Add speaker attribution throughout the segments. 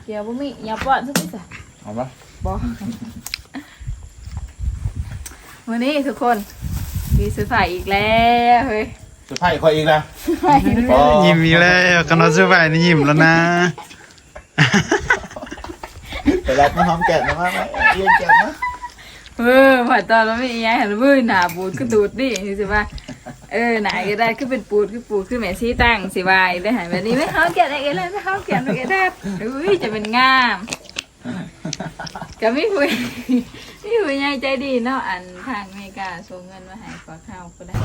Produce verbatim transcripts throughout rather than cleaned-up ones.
Speaker 1: เกี่ยวบ่มีอย่าป้อนสักนิดสิ
Speaker 2: เอาปะ
Speaker 1: บ่วันนี้ทุกคนมีซื้อไผ่อีกแล้วเฮ้ย
Speaker 2: ซื้อไผ่คอยอีกนะ
Speaker 3: ยิ้มอีกแล้วกันเราซื้อไผ่นี่ยิ้มแล้วนะ
Speaker 2: ไปรับมาหอมแก้มนะมาเลี้ยงแก้มนะ
Speaker 1: เออผ่านตอนเราไม่ยังหันมือหนาปูดก็ตูดดิสิว่าเออหนาก็ได้คือเป็นปูดคือปูดคือแม่ซีตั้งสิวายได้หันแบบนี้ไม่เขาแกะอะไรไม่เขาแกะอะไรได้อุ้ยจะเป็นงามก็ไม่คุยไม่คุยยังใจดีเนาะอันทางอเมริกาส่งเงินมาให้ฝากข้าวก็ได้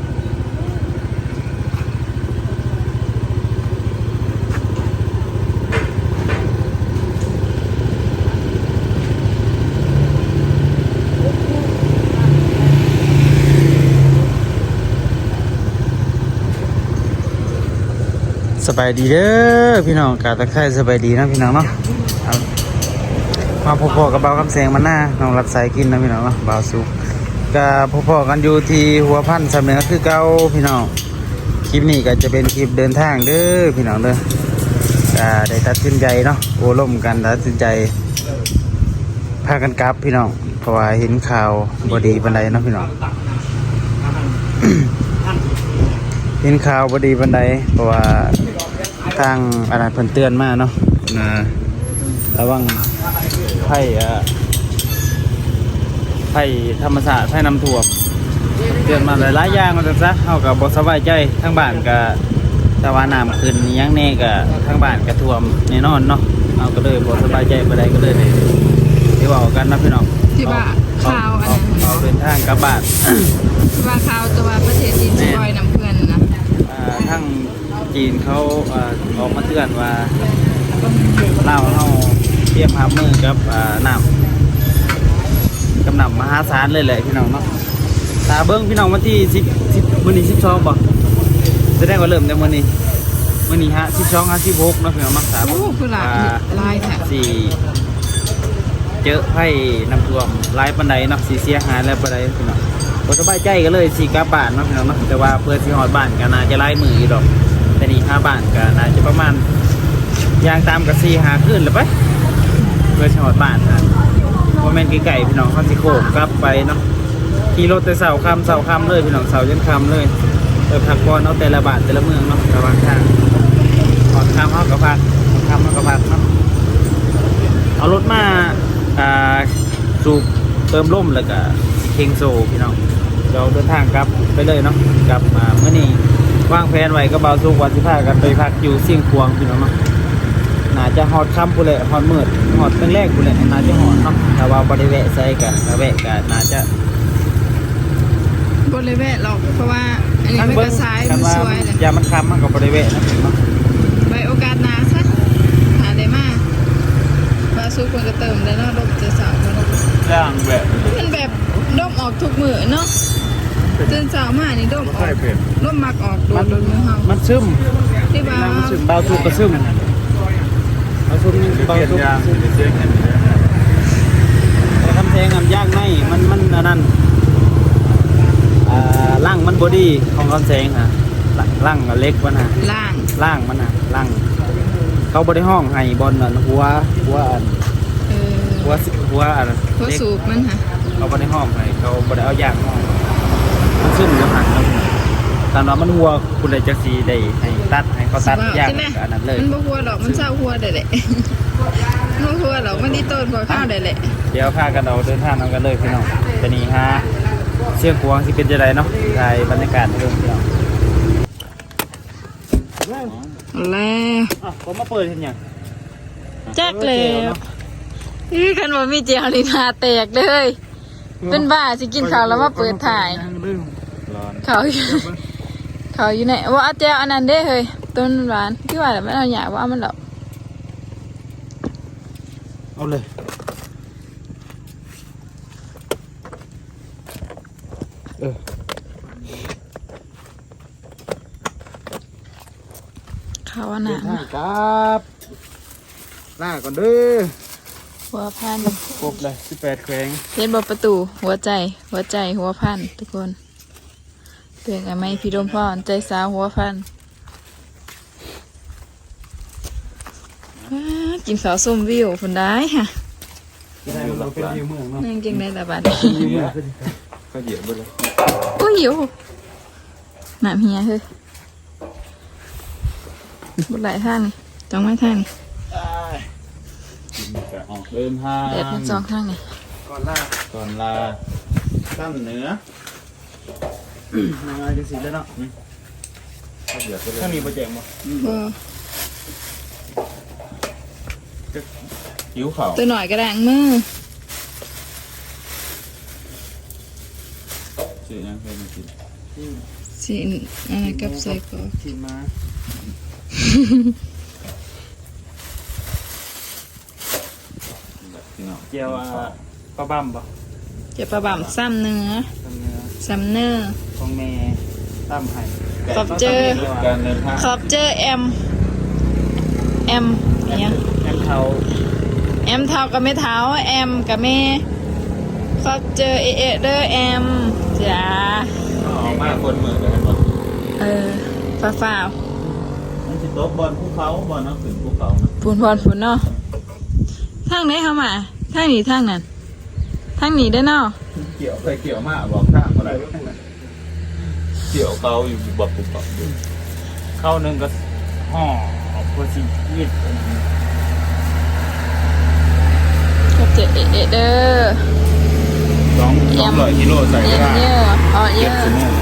Speaker 3: สบายดีเด้อพี่น้องกาตะไคร้สบายดีนะพี่น้องเนาะมาพอๆกับเบาคำแสงมันหน้าน้องรักสายกินนะพี่น้องเนาะเบาสุกกับพอๆกันอยู่ที่หัวพันสำเนือคือเก่าพี่น้องคลิปนี้ก็จะเป็นคลิปเดินทางเด้อพี่น้องเด้อก็ได้ตัดสินใจเนาะโอ้ล่มกันตัดสินใจพากันกลับพี่น้องเพราะว่าเห็นข่าวบดีบันไดเนาะพี่น้อง เห็นข่าวบดีบันไดเพราะว่าทางอะไรเพิ่นเตือนมาเนาะนะระวังไผ่ไผ่ธรรมศาสตร์ไผ่น้ำท่วมเตือนมาหลายๆอย่างมันจะซะเข้ากับบสบายใจทั้งบ้านกับตะวันน้ำขึ้นยังแน่กับทั้งบ้านกับท่วมแน่นอนเนาะเอาก็เลยบสบายใจบันไดก็เลยเลยที่ว่ากันนะพี่น้อง
Speaker 1: ที่ว่าข่าวอันนั้น
Speaker 3: เอาเดินทางกลับบ้าน
Speaker 1: ที่ว่าข่าวตัวประเทศจีนจะปล่อยน้ำเพื่อนนะ
Speaker 3: ทั้งจีนเขาออกมาเตือนว่าเล่าเราเตรียมหามือกับน้ำกำหนำมหาศาลเลยแหละพี่น้องเนาะตาเบิ้งพี่น้องวันที่สิบสิบวันนี้สิบสองป่ะจะได้ว่าเริ่มในวันนี้วันนี้ฮะสิบสองฮะสิบหกนะพี่น้องมักษา
Speaker 1: โอ้คือหลายลายแท้
Speaker 3: สี่เจอไผ่น้ำท่วมลายปันไดเนาะสีเสียหายแล้วปันไดพี่น้องพอสบายใจก็เลยสีกลับบ้านเนาะพี่น้องเนาะแต่ว่าเพื่อสีหอดบ้านก็น่าจะไล่มืออยู่ดอกแต่นี่ห้าบ้านก็น่าจะประมาณยางตามกับสีหาขึ้นหรือไปเพื่อสีหอดบ้านนะโมเมนต์ไก่พี่น้องเขาสิโขกกลับไปเนาะขี่รถแต่เสาคำเสาคำเลยพี่น้องเสายันคำเลยเออพักก่อนเอาแต่ละบ้านแต่ละเมืองเนาะระหว่างทางหอดคำเขากับพักคำเขากับพักเนาะเอารถมาสูบเติมร่มแล้วก็เฮงโซพี่น้องเราเดินทางกลับไปเลยเนาะกลับมาเมื่อนี้วางแผนไว้ก็เบาสูงวันสิบห้ากันไปพักอยู่เสี่ยงควงพี่น้องเนาะน่าจะหอดค่ำกูเลยหอดมืดหอดตั้งแรกกูเลยน่าจะหอดเนาะแต่ว่าบริเวณใส่กันบริเวณกันน่าจะ
Speaker 1: บริเวณหรอกเพราะว่าอันนี้มันกระซ้ายมันสวยเลย
Speaker 3: ยามันค้ำมันกับบริเวณนะเนาะ
Speaker 1: ไปโอกาสนาสักหาได้มากบาสูควรจะเติมได้เนาะดมจะสาวมัน
Speaker 3: ย่างแบบ
Speaker 1: มันแบบดมออกทุกมือเนาะจนสาวมานี่ดมออกดมมักออกโดนโดนมือเฮา
Speaker 3: มันซึม
Speaker 1: ที่บ้า
Speaker 3: มันซึมเบาสูบก็ซึมเบาสูบเบาสูบแต่คำแทงน้ำย่างในมันมันนั่นล่างมันบอดี้ของคำแทงฮะล่างเล็กมันฮะ
Speaker 1: ล่าง
Speaker 3: ล่างมันฮะล่างเขาบริห้องให้บอลนั่นหัวหัวอันหัวหัวอัน
Speaker 1: หัวสูบมันฮะ
Speaker 3: เขาบริห้องให้เขาบริเอายางห้องมันซึมอยู่หันแล้วตอนนั้นมันหัวคุณเลยจะสีได้ให้ตัดให้เขาตัดยางอันนั้นเลย
Speaker 1: มันบ่หัวหรอกมันเศร้าหัวได้แหละมันหัวหรอกมันดีต้นพอข้าวได้แหละ
Speaker 3: เดี๋ยวพากันเอาเดินทางเอากันเลยพี่น้องจะนี่ฮะเสี่ยงกวงที่เป็นจะไรเนาะถ่ายบรรยากาศเรื่องพี่น้อง
Speaker 1: แล้ว
Speaker 3: ผมมาเปิดเห็นยัง
Speaker 1: จักเลยนี่คันว่ามีเจียวลีนาแตกเลยเป็นบ้าสิกินข้าวแล้วมาเปิดถ่ายเขาเขาอยู่ไหนว่าอาเจียวอันนั้นได้เฮ้ยต้นร้านที่ว่าแต่ไม่เอาหยาว่ามันหรอก
Speaker 3: เอาเลยเออ
Speaker 1: เขาว่าหนา
Speaker 3: ครับหน้าก่อนเด้อ
Speaker 1: หัวพัน
Speaker 3: ครบเลยสิบแปดแขวง
Speaker 1: เล่นบอประตูหัวใจหัวใจหัวพันทุกคนเตือนไงไม่พี่ดมพ่อใจสาวหัวพันกินข้าวส้มวิวคนได้ค่ะ
Speaker 3: ที่ได้มันเป็นอยู่เมืองเนาะ
Speaker 1: นั่งเก่งได้แต่บัด
Speaker 3: อยู่เมืองก็เหยียบไปเลย
Speaker 1: โอ้ยหิวหนามเฮียเฮ้ยบุหลายท่างนี่จ้องไม้ท่างนี่
Speaker 3: ออกเดินทาง
Speaker 1: เด็ดมาจองท่างนี่
Speaker 3: ก่อนลาก่อนลาตั้งเหนือมาจังสีแล้วเนาะ
Speaker 2: ก็เหยียบไปเลย
Speaker 3: ถ้ามีโปรเจกต์บ่
Speaker 1: เออ
Speaker 2: หิวเข่า
Speaker 1: ตัวหน่อยกระดังมือ
Speaker 2: ชื่อยังเคยมากิน
Speaker 1: สิอะไรกับใส่กรอก
Speaker 3: ทีมาเจียวปลาบั่มบ่
Speaker 1: เจ็บประบ่ำซ้ำเนื้อ
Speaker 3: ทำเนื้อ
Speaker 1: ซ้ำเนื้อ
Speaker 3: ของแม่ตั้มไห้
Speaker 1: ขอบเจอ
Speaker 2: การเดินทาง
Speaker 1: ขอบเจอแอมแอมเนี่ย
Speaker 3: แอมเทา
Speaker 1: แอมเท้ากับไม่เท้าแอมกับแม่ขอบเจอเอเอเด้อแอมจ้า
Speaker 2: ออกมาคนมือเลยครับ
Speaker 1: เออฟ้าฟ้าว
Speaker 2: มันจะโต๊ะบอลภูเขาบอลนักถึงภูเขานะ
Speaker 1: ปูนพรปูนเนาะทางไหนเข้ามาทางนี้ทางนั้นทางนี้ได้อเนาะ
Speaker 2: เกี่ยวเคยเกี่ยวมากบอกข้ามอะไรเกี่ยวเขาอยู่แบบภูเขาอยู่
Speaker 3: เข้าหนึ่งก็ห่อพอสิยืด
Speaker 1: ขอบเจอเอเอเด้อ
Speaker 2: สองสองร้อยกิโลใส่
Speaker 1: เย
Speaker 2: ก็
Speaker 1: อะ
Speaker 2: ได้
Speaker 1: เยอะอ๋อเย
Speaker 2: เจ็ด
Speaker 1: อะ
Speaker 2: ชั่วโมง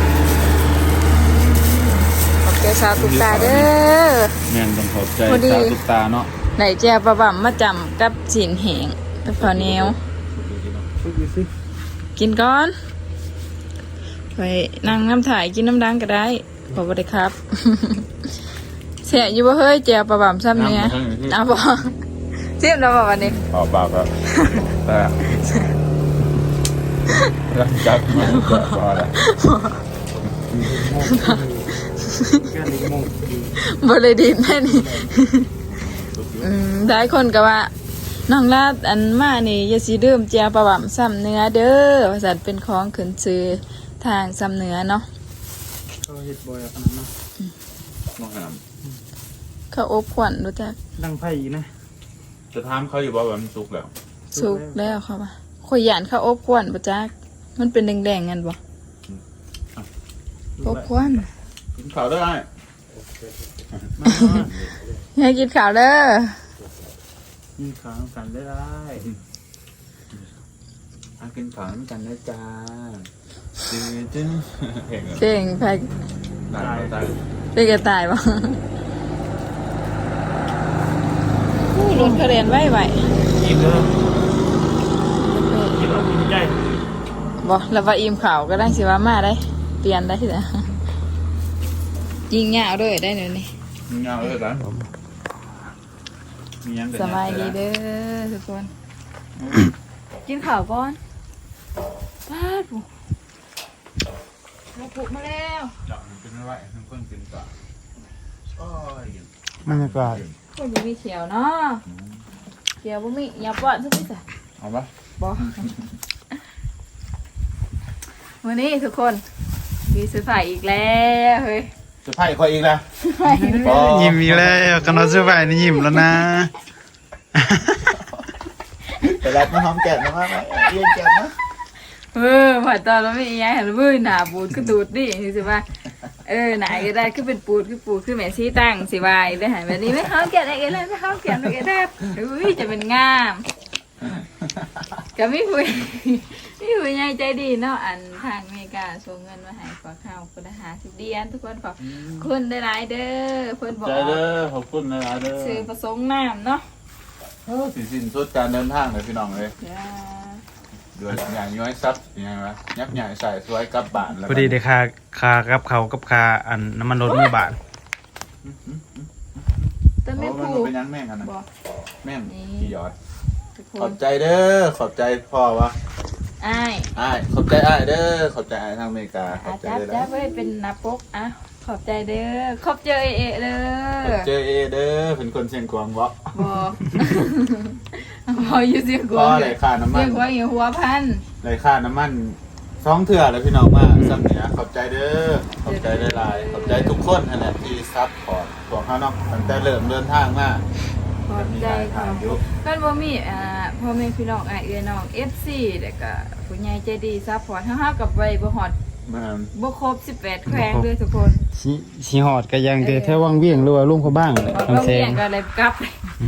Speaker 1: ขอบเจอสาวตุกตาเด้อ
Speaker 2: แม่นต้องขอบใจ
Speaker 1: พอดี
Speaker 2: สาวตุ๊กตาเนาะ
Speaker 1: ไหนแจวประบ่ำมาจำกับสินเหงกับข้าวเหนียว
Speaker 3: ฝึกอยู่สิ
Speaker 1: กินก่อนไปนั่งน้ำถ่ายกินน้ำดังก็ได้บอกว่าได้ครับ เสียอยู่บ่เฮ้ยแจวประบ่ำซ้ำเนี้ยเอาบ่จิ้มแล้วบ่วันนี้
Speaker 2: ขอปากครับแต่รักจักมันก็พอแล้ว
Speaker 3: แค่นี้โมงดี
Speaker 1: บ่เลยดินแม่นี่ อืมหลายคนก็ว่าน้องลาดอันมานี่อย่าสิดื่มแจวประบ่ำซ้ำเนื้อเด้อว่าซั่นเป็นของขึ้นชื่อทางซ้ำเนื้อเนาะ
Speaker 3: ก็เฮ็ดบ่อยขนาดนั้น
Speaker 2: มองหาม
Speaker 1: เขาอบขวัญรู้จัก
Speaker 3: ดังไผ่อีกนะ
Speaker 2: จะถามเขาอยู่บ่ว่ามันสุกแล้ว
Speaker 1: สุกแล้วเขาว่าข่อยหยานเขาอบขวัญบ่จักมันเป็นแดงๆกันบ่อบขวัญ
Speaker 2: กินข้าวได้
Speaker 3: มา
Speaker 1: ให้กินข้าวเด้อ
Speaker 3: ยินขาวกันได้ได้
Speaker 2: อากินข้าวน้ำกันได้จ้าจื้อจื้อเห็นเหรอ
Speaker 1: เก่งไป
Speaker 2: ตายตาย
Speaker 1: ไปกระต่ายบ่อู้รถเขาเรียนไว้ไว้
Speaker 3: ยิ้มเลยยิ้มเอายิ้มใจ
Speaker 1: บ่แล้วว่าอิ่มข้าวก็ได้สิว่ามาได้ เปลี่ยนได้เด้อยิงยาวด้วยได้เดี๋ยวนี้
Speaker 2: มีเงาเลยร้านผมมียังกัน
Speaker 1: สบายดีเด้อทุกคน กินข้าวก่อนป้าปุ๊มาปุกมาแล้ว
Speaker 2: เจาะมันเป็นอะไรทุกคนกินต่อโอ้ย
Speaker 3: บรรยากาศ
Speaker 1: คนบ่มีเขียวเนาะเขียวบ่มีอย่าป้อนทุกทีจ้ะ
Speaker 2: เอาปะ
Speaker 1: บ่วันนี้ทุกคนมีซื้อไผ่อีกแล้วเฮ้ย
Speaker 2: จะไพ่คอยอีกนะ
Speaker 1: ไผ่
Speaker 3: ยิ้มอีกแล้วกันเราเสื้อผ้านี่ยิ้มแล้วนะ
Speaker 2: แต่รับมาหอมแก้มนะมาไหมเรียนแก้มนะ
Speaker 1: เออผ่านตอนเราไม่อีหยังเห็นมือหนาบูดก็ดูดดิสิว่าเออหนาก็ได้คือเป็นปูดคือปูดคือแม่ชี้ตั้งสิวายได้หันแบบนี้ไม่เขาแกะอะไรกันเลยไม่เขาแกะอะไรกันได้อุ้ยจะเป็นงามก็ไม่คุยไม่คุยยังใจดีเนาะอันทางอเมริกาส่งเงินมาให้ขอข้าวคุณหาสิบเดียนทุกคนขอคุณได้หลายเด้อเพิ่นบอก
Speaker 2: ใจเด้อขอบคุณนะเด้อ
Speaker 1: ซื้อผสมน้ำเนาะ
Speaker 2: สิสิ้นสุดการเดินทางเลยพี่น้องเลย
Speaker 1: จ้า
Speaker 2: เดือดอย่างย้อยซับยังไงวะยับใหญ่ใส่สวยกลับบ้านแล้ว
Speaker 3: พอดีได้คาคากับเขากับคาอันน้ำมันรถเมื่อบาท
Speaker 1: แต่
Speaker 2: โอ้
Speaker 1: ไม่
Speaker 2: มัน
Speaker 1: ผูก
Speaker 2: เป็นยังแม่งกันนะ
Speaker 1: บอก
Speaker 2: แม่ง
Speaker 1: นี่
Speaker 2: พี่ยอด
Speaker 1: ทุกค
Speaker 2: ขอน บใจเด้อขอบใจพ่อวะ
Speaker 1: อ้าย
Speaker 2: อ้ายขอบใจอ้ายเด้อขอบใจอ้ายทางอเมริกาขอ
Speaker 1: อา
Speaker 2: บใจ
Speaker 1: จารย์
Speaker 2: เด้อ
Speaker 1: จ้า
Speaker 2: นะ
Speaker 1: ไว้เป็นนับปกอ่ะขอบใจเด้อขอบใจเอเอเด้
Speaker 2: ขอบ
Speaker 1: อ
Speaker 2: ใจเอเด้อเป็นคนเชียงกวางวะ
Speaker 1: บอกพออยู่เสียงก
Speaker 2: พ่
Speaker 1: ว
Speaker 2: อง อะไรค่าน้ำมั
Speaker 1: เสีย
Speaker 2: น
Speaker 1: งกวงอยู่หัวพัน
Speaker 2: อะไรค่าน้ำมันสองเถื่อแล้วพี่น้องมาซ้ำเหนือขอบใจเด้อขอบใจหลายๆขอบใจทุกคนนั่นแหละที่ซัพพอร์ตของเขาเนาะตั้งแต่เริ่มเดินทางมา
Speaker 1: ขอบใจขอบก็บ่มีอ่าพ่อแม่พี่น้องอ้ายเอื้อน้อง เอฟ ซี แล้วก็ผู้ใหญ่ใจดีซัพพอร์ตเฮาๆกับไว้บ่ฮอด
Speaker 2: มัน
Speaker 1: บ่ครบสิบแปดแขวงเด้อทุกคน
Speaker 3: สิสิฮอดก็ยังแต่แถววังเวียงหรือว่าลุงเขาบ้างแหละ
Speaker 1: ออก
Speaker 3: คำ
Speaker 1: โรง
Speaker 3: แซ
Speaker 1: เรีย
Speaker 3: ง
Speaker 1: นก็เลยกลับ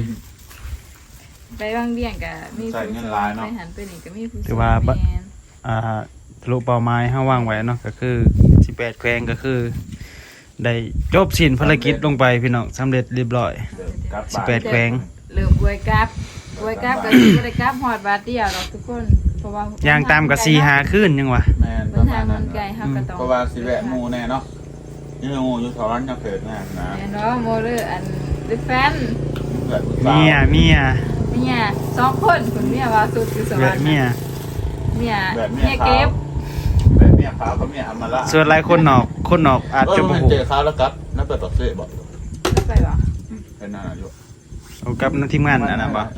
Speaker 1: ไปบางเบี้ยงก็มีผู้ไปหันไปนี่ก็มีผู้
Speaker 3: ถือว่า
Speaker 1: แม่น
Speaker 3: อ่าทะลุเป้าหมายเฮาวางไว้เนาะก็คือสิบแปดแขวงก็คือ ได้จบสิ้นภารกิจลงไปพี่น้องสำเร็จเรียบร้อย
Speaker 2: กลับ
Speaker 3: สิบแปดแขวง
Speaker 1: เริ่มอวยกลับอวยกลับก็สิบ่ได้กลับฮอดบาทเดียวหรอกทุกคนเพราะว่า
Speaker 3: ย่างตามกับสี่หาขึ้นยังวะ
Speaker 2: แม่นป
Speaker 1: เดิ
Speaker 2: ระ
Speaker 1: น
Speaker 2: มา
Speaker 1: ทาง
Speaker 2: ณ
Speaker 1: มั
Speaker 2: นั้น
Speaker 1: นไกลเฮาก็ต้อง
Speaker 2: เพราะว่าสิแวะหมู่แน่เนาะนี่หมู่อยู่ทอนยังเกิดแน่นะ
Speaker 1: แม่เนาะโมเดอร์อันดิแฟน
Speaker 2: เกิดผู้สาว
Speaker 3: เมียเมีย
Speaker 1: เมียสองคนคุณเมียว่าสุดคือสว
Speaker 3: แบ
Speaker 1: ร
Speaker 3: บ
Speaker 1: รค์
Speaker 3: เมีย
Speaker 1: เมีย
Speaker 2: แบบเมี
Speaker 1: เมี
Speaker 2: ย
Speaker 1: ย
Speaker 2: ขา
Speaker 1: เก็
Speaker 2: ว
Speaker 1: บ
Speaker 2: แบบเมียขาวกับเมียอำมาละ
Speaker 3: ส่วนหลายคนนอกคนนอกอาจ
Speaker 2: เออ
Speaker 3: จะ
Speaker 2: มั
Speaker 3: บ่
Speaker 2: น
Speaker 3: ฮู้
Speaker 2: เจอขาวแล้วครับแล้วเปิดปักเสะบอก
Speaker 1: ไปบ่
Speaker 2: เป็นนั่นน่ะอยู่
Speaker 3: เอากับทีมงานอันนั้นบ่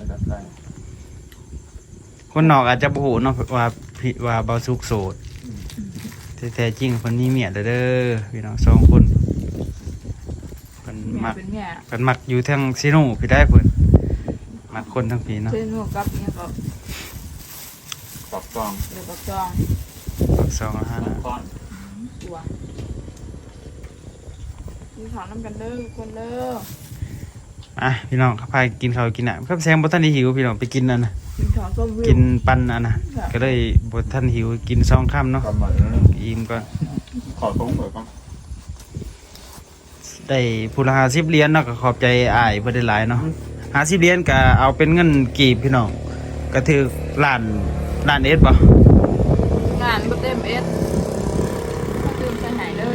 Speaker 3: คนนอกอาจจะบ่ฮู้เนาะว่าพี่ว่าเบาสุกโสดแต่แท้จริงเพิ่นมีเมียแล้วเด้อพี่น้องสองคนเพิ่น
Speaker 1: เมีย
Speaker 3: มัก
Speaker 1: เป็นเมีย
Speaker 3: เพิ่นมักอยู่ทางซิโนพี่ได้เพิ่นมักคนทั้งพี่เนาะ
Speaker 1: เพื่อนหนูกับเมียก็
Speaker 2: ปอกซอง
Speaker 1: เดี๋ยวก็จอง
Speaker 3: ปักสองแล้วห้านะ
Speaker 2: ก้อน
Speaker 1: ตัวมีขอน้ำกันเด้อทุกคนเด้อ
Speaker 3: อ่ะพี่น้องเขาพากินข้าวกินน้ำครับแซงบ่ทันได้หิวพี่น้องไปกินนั่นน่ะ
Speaker 1: กินขอส้มวิว
Speaker 3: กินปันอันน่ะก็เลยบ่ทันหิวกินสองค่ำเนาะ
Speaker 2: กำมาแล้ว
Speaker 3: อิ่มก่อน
Speaker 2: ขอตรงเลยก้อน
Speaker 3: ได้ผู้ละห้าสิบเหรียญเนาะก็ขอบใจอ้ายเพิ่นได้หลายเนาะห้าสิบเหรียญก็เอาเป็นเงินกีบพี่น้องก็ถือล้านล้านเอ็ดบ่
Speaker 1: งานก็เต็มเอสมาตื่นใจหายเลย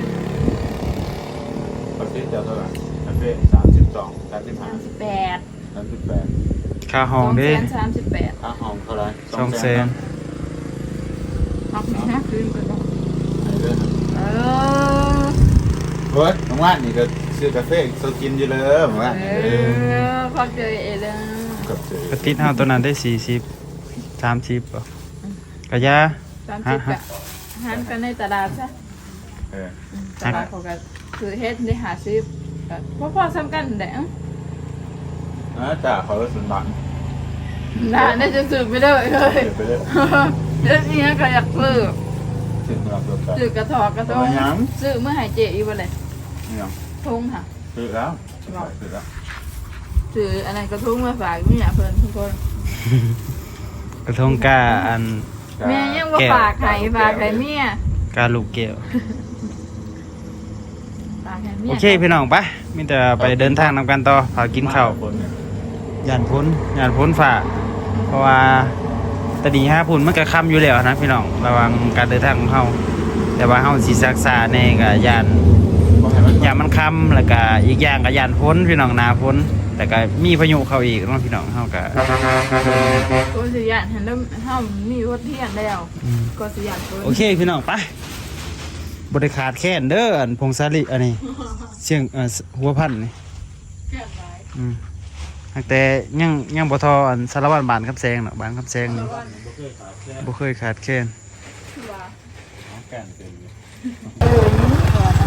Speaker 2: ปักเสะเจ้าเท่าไหร่ปักเสะสามสิบสองสามสิบห้า
Speaker 1: สามสิบแปด
Speaker 2: สามสิบแปด
Speaker 3: ค่าห้องเด้
Speaker 1: สองแสนสามสิบแปด
Speaker 2: ค่าห้องเท่าไหร่
Speaker 3: สองแสน
Speaker 1: เอาไปนะคืนก่อนเนาะ
Speaker 2: เดือน
Speaker 1: เออ
Speaker 2: เฮ้ยน้องว่านนี่ก็ซื้อกาแฟโซกินอยู่เลยน้องว่าน
Speaker 1: เอ
Speaker 2: เออ
Speaker 1: อพอเจอเอเลย
Speaker 2: กับเจอก
Speaker 3: ระติดเฮาตัวนั้นได้สี่สิบ สามสิบบ่กะยา
Speaker 1: สามสิบแบบหันกันในตลาดซะ
Speaker 2: เออ
Speaker 1: ตลาดเขาก็คือเฮ็ดได้หาซื้อก็พอๆซ้ำกันแหละ
Speaker 2: อ่าจ่าเขาก็สุนบัง
Speaker 1: น่าได้จะซื้อไปเลยเลย
Speaker 2: เดี๋ยวไปเลย
Speaker 1: เดี๋ยวนี้ก็อยากซื้อ
Speaker 2: ถึงเราตัวกัน
Speaker 1: ซื้อกระถอกกระทง
Speaker 2: เอาหยัง
Speaker 1: ซื้อเมื่อหายเจอีวันเลย
Speaker 2: นี่ยัง
Speaker 1: ทุ่งค่ะ
Speaker 2: ซื้อแล้วซื้อแล้ว
Speaker 1: ซื้ออันนั้นกระทุ่งมาฝากนี่อยากเพิ่นทุกคน
Speaker 3: กระทงกาอัน
Speaker 1: แม่ยังว่าฝากไข่ฝากไข่เมีย
Speaker 3: กาลูกแก้ว
Speaker 1: ฝากไข่เมีย
Speaker 3: โอเคพี่น้องไปมีแต่ไปเดินทางนำกันต่อพากินข้าว
Speaker 2: คนเนี่ย
Speaker 3: ย่านพ้นย่านพ้นฝ่าเพราะว่าตะดีห้าพุ่นมันก็ค่ำอยู่แล้วนะพี่น้องระวังการเดินทางของเฮาแต่ว่าเฮาสิศึกษาแน่ก็ย่าน
Speaker 2: บอกให้มัน
Speaker 3: ย่านมันค่ำแล้วก็อีกอย่างก็ย่านพ้นพี่น้องหนาพ้นแต่ก็มีพายุเข้าอีกเนาะพี่น้องเฮาก็
Speaker 1: ก็สิยานเห็นแล้วเฮามีรถเที่ยงแล้ว
Speaker 3: อืม
Speaker 1: ก็สิยานเพิ่น
Speaker 3: โอเคพี่น้องไปบริขาดแค้นเด้ออันพงศาลิอันนี้เสียงเอ่อหัวพันนี่
Speaker 1: แค่ไหน
Speaker 3: อืมแต่ยังยังบ่ทออันสารวัตรบ้านคำแซงเนาะบ้านคำแซงนี่บ่เคยขาดแค้น
Speaker 1: คือว่า
Speaker 2: น้องแก่นเป็น
Speaker 1: เออนี่ก่อน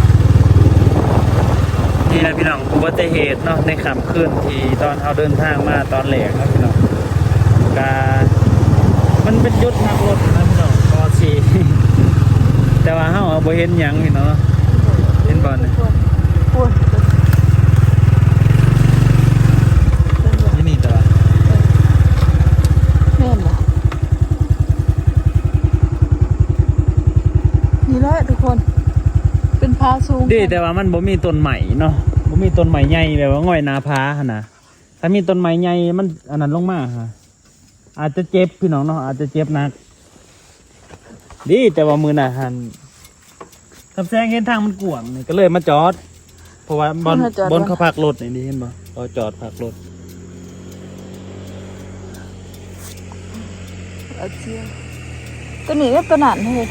Speaker 3: นี่นะพี่น้องอุบัติเหตุเนาะในค่ำคืนที่ตอนเฮาเดินทางมาตอนแรกเนาะพี่น้องกามันเป็นจุดหักรถนะพี่น้องก็สิ แต่ว่าเฮาบ่เห็นหยังพี่น้องเห็นบ่เนี่ย
Speaker 1: โอ้ย
Speaker 3: นี่นี่ตัว
Speaker 1: แม่นบ่นี่แหละทุกคน เป็นพาสูง
Speaker 3: ดีแต่ว่ามันบ่มีต้นใหม่เนาะบ่มีต้นใหม่ใหญ่แบบว่าง่อยหนาผาหั่นน่ะถ้ามีต้นใหม่ใหญ่มันอันนั้นลงมาฮะอาจจะเจ็บพี่น้องเนาะอาจจะเจ็บหนักดีแต่ว่ามือน่ะหันคำแซงเห็นทางมันกว้างนี่ก็เลยมาจอด เพราะว่าบนบนเขาพักรถนี่นี่เห็นบ่เขาจอดพักรถ
Speaker 1: เอาเชียงตัวนี้ก็ตัวนั้นเฮ้ย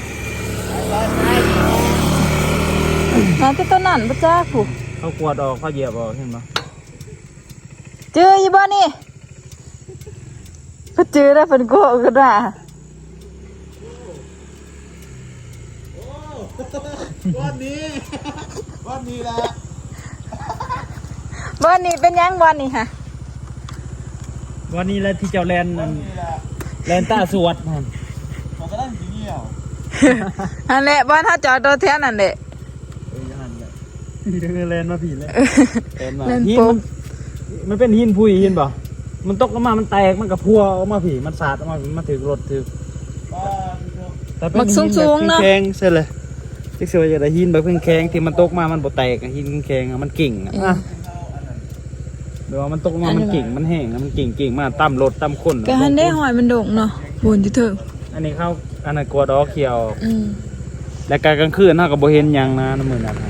Speaker 1: นั่นก็ตัวนั้นบ่จ้าผู้
Speaker 3: เขากวาดออกเขาเหยียบออกเห็นบ่
Speaker 1: เจออยู่บ่นี่พอเจอแล้วเพิ่นก็ก็ได้
Speaker 2: วันนี้วันนี้แหละ
Speaker 1: บ่นี่เป็นหยังบ่นี่ค่ะ
Speaker 3: วันนี้แหละที่เจ้าแลนนั่นแลนตาสวดนั่น
Speaker 2: มันก็ได้สีเหี่ยว
Speaker 1: อันแหละบ้านถ้าจอดรถแท้นั่นแหละ
Speaker 3: เอ้ยหันเลยพี่เดินแลนมาผีเลยแลนมา
Speaker 1: แลน
Speaker 3: หิน
Speaker 1: ปุ๊
Speaker 3: มั
Speaker 1: บ
Speaker 3: นมันเป็นหินพุยหินบ่มันตกลงมามันแตกมันกับพัวออกมาผีมันสาดออกมามันถือรถถือแต่เป็นหินแบบแข็งๆใช่เลยที่เสือจะได้หินแบบแข็งๆที่มันตกมามันบ่แตกอะหินแข็งๆอะมันกิ่งอะอ่ะเดี๋ยวมันตกมามันกิ่งมันแห้งอะมันกิ่งกิ่งมาตั้มรถตั้มคน
Speaker 1: ก็หันได้หอยมันโด่งเนาะบุญที่เถิง
Speaker 3: อันนี้เข้าอันนั้นกลัวดอกเขียว
Speaker 1: อืม
Speaker 3: และการกลางคืนเฮาก็บ่เห็นหยังนะน้ำมือนั้นครับ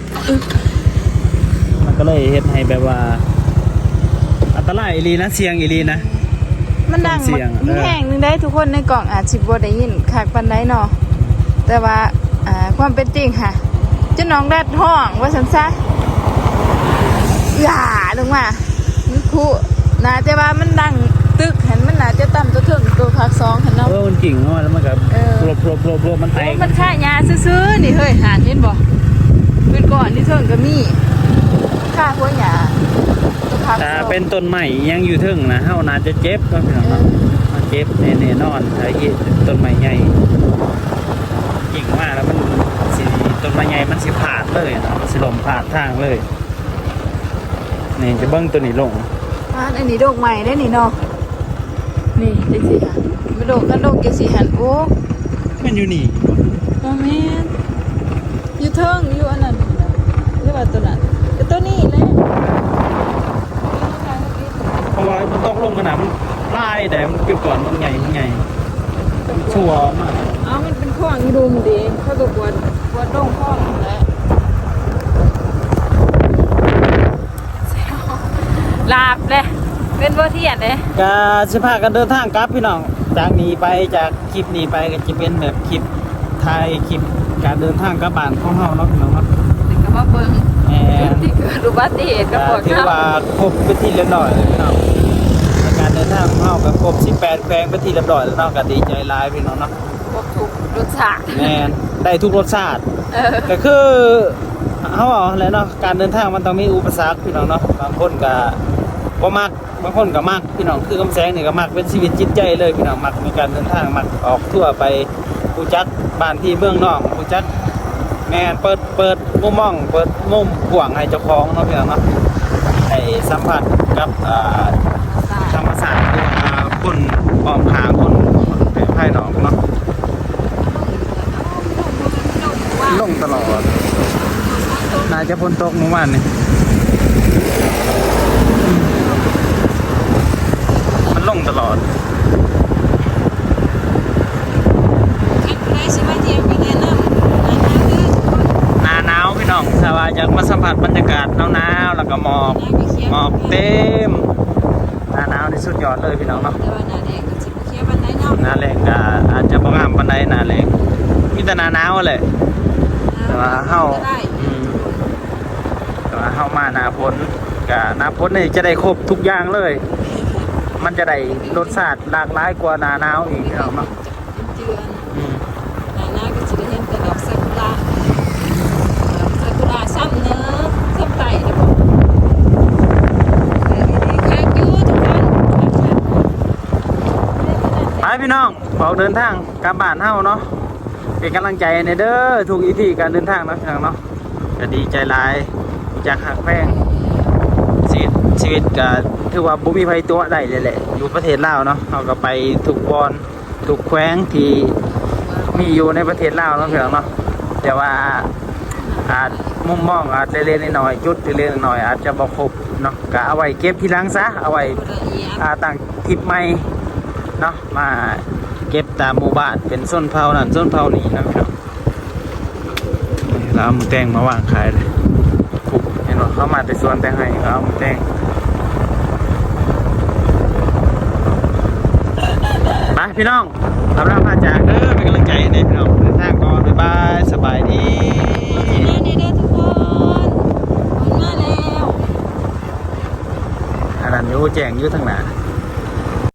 Speaker 3: มันก็เลยเฮ็ดให้แบบว่าอันตรายอีหลีนะเสียงอีหลีนะ
Speaker 1: มันดัง
Speaker 3: เสียง
Speaker 1: มี
Speaker 3: เออ
Speaker 1: แห่งหนึงได้ทุกคนในกล่องอาจสิบ่ได้ยินคักปานใดเนาะแต่ว่าอ่าความเป็นจริงค่ะเจ้าน้องแรดห้องว่าซั่นซะอย่าลงมามันคุน่าจะว่ามันดังตึกหันมันน่าจะต่ำตัวถึงตัวภาคสองหันเนาะ
Speaker 3: เออมันกิ่งเนาะแล้วมันก็
Speaker 1: เออ
Speaker 3: โปรโปรโปรโปรมันแต
Speaker 1: โอ้
Speaker 3: ก
Speaker 1: มันค่ายาซื่อๆนี่เฮ้ยหานเห็นบ่เป็นก่อนที่เถิงก็มีค่าพวกหยาตัวภาคส
Speaker 3: ถ้า
Speaker 1: อง
Speaker 3: เป็นต้นใหม่ยังอยู่ถึงนะเฮาน่าจะเจ็บก็พี่น้องเนาะมันเจ็บแน่ๆนอนถ้าเฮ็ดต้นใหม่ใหญ่กิ่งมาแล้วมันสิต้นใหม่ใหญ่มันสิพาดเลยเนาะมันสิลมพาดทางเลยนี่จะเบิ่งตัวนี้ลง
Speaker 1: อ่านอันนี้โดกใหม่ได้นี่เนาะนี่จังสิค่ะมาโดกกันโดกจังสิหันโอ้
Speaker 3: มันอยู่นี่
Speaker 1: บ่แม่นอยู่เทิงอยู่อันนั้นหรือว่าตัวนั้นแต่ตัวนี้แหละ
Speaker 3: เพราะว่ามันตกลงขนาดมันลายแต่มันเกี่ยวก่อนมันใหญ่มันใหญ่ชัวร์มาก
Speaker 1: เอ้ามันเป็นข้องอีดุมดิเขาก็ปวดปวดโด่งข้องนั่นแหละลาบเลยเป็นบ่เทียนเลย
Speaker 3: ก็สิพากันเดินทางกลับพี่น้องจากนี้ไปจากคลิปนี้ไปก็จะเป็นแบบคลิปถ่ายคลิปการเดินทางกลับบ้านของเฮาเนาะพี่น้องเนาะ
Speaker 1: ถึงกับมาเบิ่ง
Speaker 3: แหม
Speaker 1: ที่เกิดอุบัติเหตุกับปวด
Speaker 3: ถือ
Speaker 1: เข่า
Speaker 3: ว่าครบไปนที่เรียบร้อยแล้วพี่น้องในการเดินทางของเฮาก็ครบสิบแปดแขวงไปนที่เรียบร้อยแล้วเนาะก็ดีใจหลายพี่น้องเนาะ
Speaker 1: ครบทุกรสชาติ
Speaker 3: แม่นได้ทุกรสชาติ
Speaker 1: เออ
Speaker 3: ก็คือเฮาเอาแหล้วเนาะการเดินทางมันต้องมีอุปสรรคพี่น้องเนาะบางคนก็บ่มักบางคนก็มักพี่น้องคือกำแสงนี่ก็มักเป็นชีวิตจิตใจเลยพี่น้องมักในการเดินทางมักออกทั่วไปผู้จักบ้านที่เมืองนอกผู้จักแม่นเปิดเปิดมุมมองเปิดมุมกว้างให้เจ้าของเนาะพี่น้องเนาะให้สัมผัสกับอ่าธรรมศาสตร์คืออ่าคนอ้อมข้างคนภายนอกเนาะลงตลอดน่าจะพ้นตกเมื่อวานนี่มันลงตลอดหนาหนาวพี่น้องถ้าว่าอยากมาสัมผัสบรรยากาศหนาวๆแล้วก็หมอกหมอกเต็มหนาหนาวที่สุดยอดเลยพี่น้องเนาะหนาแรงก็อาจจะบ่งามปานใดหนาแรงมีแต่หนาหนาวแหละแต่ว่าเฮาอืมแต่ว่าเฮามาหนาฝนก็หนาฝนนี่จะได้ครบทุกอย่างเลย มันจะได้รสชาติหลากหลายกว่าหนาหนาวอีกพี่น้องเนาะอืม ไปพี่น้องออกเดินทางกลับบ้านเฮาเนาะเป็นกำลังใจในเด้อทุกอีพีการเดินทางเนาะพี่น้องเนาะก็ดีใจหลายจากหักแพงชีวิตชีวิตก็ถือว่าบ่มีภัยตัวใดเลยแหละอยู่ประเทศลาวเนาะเฮาก็ไปทุกบอนทุกแขวงที่มีอยู่ในประเทศลาวเนาะพี่น้องเนาะแต่ว่าอาจมุมมองอาจเล็กๆน้อยๆจุดเล็กๆน้อยๆอาจจะบ่ครบเนาะก็เอาไว้เก็บทีหลังซะเอาไว้อ่าตั้งคลิปใหม่เนาะมาเก็บตามหมู่บ้านเป็นส้นเผานั่นส้นเผานี่นะพี่น้องนี่เราเอาหมูแตงมาวางขายเลยปุ๊บเห็นว่าเขามาแต่สวนแตงให้เราเอาหมูแตงไปพี่น้องทำร่างพาจากเด้อเป็นกำลังใจให้พี่น้องเดินทางก่อนบ๊ายบายสบายดีอันนั้นอยู่แจ้งอยู่ทางหน้า